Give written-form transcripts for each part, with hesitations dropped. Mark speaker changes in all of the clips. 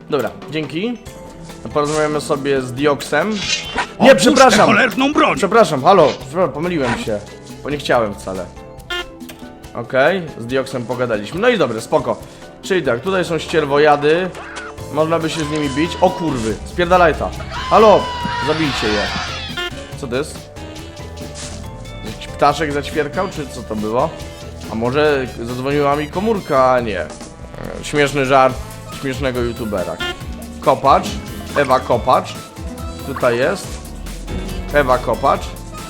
Speaker 1: Dobra, dzięki. Porozmawiamy sobie z Dioksem. Nie, przepraszam!
Speaker 2: cholerną broń!
Speaker 1: Przepraszam, halo, pomyliłem się. Bo nie chciałem wcale. Okej, z Dioksem pogadaliśmy. No i dobre, spoko. Czyli tak, tutaj są ścierwojady. Można by się z nimi bić. O kurwy, spierdalaj ta. Halo, zabijcie je. Co to jest? Jakiś ptaszek zaćwierkał, czy co to było? A może zadzwoniła mi komórka? Nie. Śmieszny żart śmiesznego youtubera. Kopacz, Ewa Kopacz. Tutaj jest Ewa Kopacz.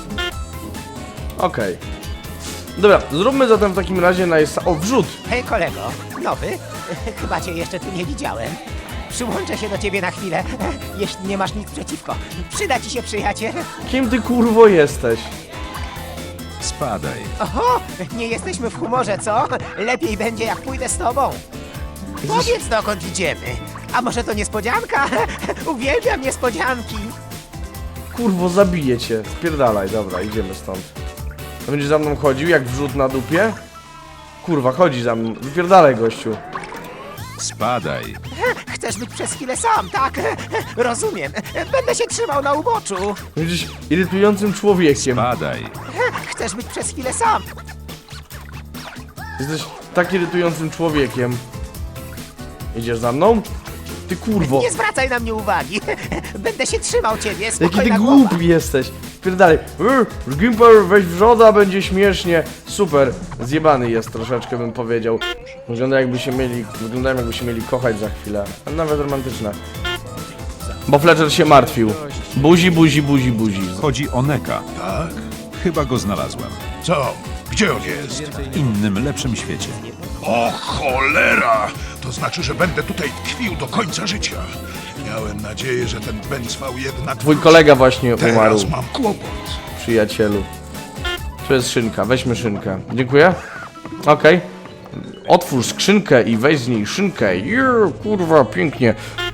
Speaker 1: Okej. Dobra, zróbmy zatem w takim razie o, wrzut.
Speaker 3: Hej kolego, nowy? Chyba cię jeszcze tu nie widziałem. Przyłączę się do ciebie na chwilę, jeśli nie masz nic przeciwko. Przyda ci się przyjaciel.
Speaker 1: Kim ty kurwo jesteś?
Speaker 4: Spadaj.
Speaker 3: Oho, nie jesteśmy w humorze, co? Lepiej będzie jak pójdę z tobą. Powiedz dokąd idziemy. A może to niespodzianka? Uwielbiam niespodzianki.
Speaker 1: Kurwo, zabiję cię. Spierdalaj, dobra, idziemy stąd. To będziesz za mną chodził jak wrzut na dupie? Kurwa, chodzi za mną. Wypierdalaj, gościu.
Speaker 4: Spadaj.
Speaker 3: Chcesz być przez chwilę sam, tak? Rozumiem. Będę się trzymał na uboczu.
Speaker 1: Będziesz irytującym człowiekiem.
Speaker 4: Spadaj.
Speaker 3: Chcesz być przez chwilę sam.
Speaker 1: Jesteś tak irytującym człowiekiem. Idziesz za mną? Ty kurwo.
Speaker 3: Nie zwracaj na mnie uwagi. Będę się trzymał ciebie.
Speaker 1: Jaki ty
Speaker 3: Spokojna
Speaker 1: głupi
Speaker 3: głowa.
Speaker 1: jesteś. Spierdalaj. Gimper, weź wrzoda, będzie śmiesznie. Super. Zjebany jest troszeczkę, bym powiedział. Wyglądają jakby się mieli kochać za chwilę. A nawet romantyczne. Bo Fletcher się martwił. Buzi, buzi, buzi, buzi.
Speaker 4: Chodzi o Neka.
Speaker 2: Tak?
Speaker 4: Chyba go znalazłem.
Speaker 2: Co? Gdzie on jest?
Speaker 4: W innym, lepszym świecie.
Speaker 2: O cholera! To znaczy, że będę tutaj tkwił do końca życia. Miałem nadzieję, że ten Bęcwał jednak...
Speaker 1: Twój kolega właśnie umarł,
Speaker 2: Teraz mam kłopot.
Speaker 1: przyjacielu. Tu jest szynka, weźmy szynkę. Dziękuję. Okej. Otwórz skrzynkę i weź z niej szynkę. Kurwa, pięknie.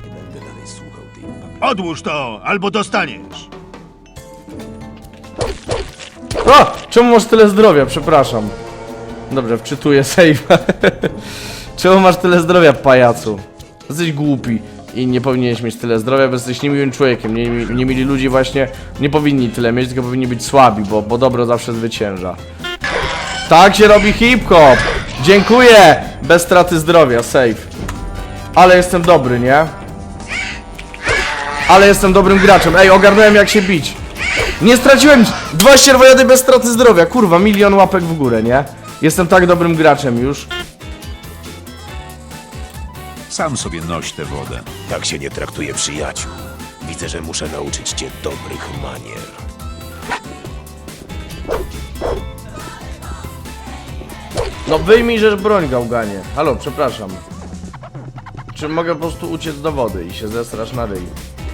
Speaker 2: Odłóż to, albo dostaniesz.
Speaker 1: O! Czemu masz tyle zdrowia? Przepraszam. Dobrze, wczytuję save. Czemu masz tyle zdrowia, pajacu? Jesteś głupi i nie powinieneś mieć tyle zdrowia, bo jesteś niemiłym człowiekiem. Niemili ludzie właśnie nie powinni tyle mieć, tylko powinni być słabi, bo dobro zawsze zwycięża. Tak się robi hip-hop! Dziękuję! Bez straty zdrowia, save. Ale jestem dobry, nie? Ale jestem dobrym graczem. Ej, ogarnąłem jak się bić. Nie straciłem 2 ścierwojady bez straty zdrowia. Kurwa, 1 000 000 łapek w górę, nie? Jestem tak dobrym graczem już.
Speaker 4: Sam sobie noś tę wodę.
Speaker 5: Tak się nie traktuje przyjaciół. Widzę, że muszę nauczyć cię dobrych manier.
Speaker 1: No wyjmij rzecz broń, gałganie. Halo, przepraszam. Czy mogę po prostu uciec do wody i się zesrasz na ryj?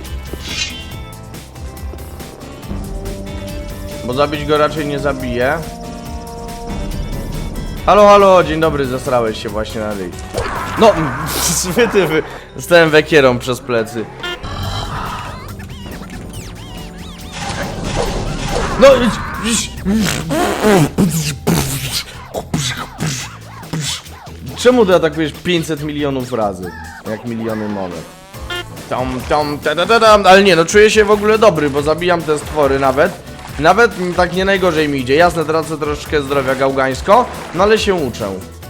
Speaker 1: Bo zabić go raczej nie zabiję. Halo, halo, dzień dobry, zesrałeś się właśnie na ryj. No, wytywy. Stałem wekierą przez plecy. No, czemu ty atakujesz 500 milionów razy? Jak miliony monet. Ale nie, no czuję się w ogóle dobry, bo zabijam te stwory nawet. Nawet tak nie najgorzej mi idzie. Jasne, tracę troszeczkę zdrowia gałgańsko, no ale się uczę.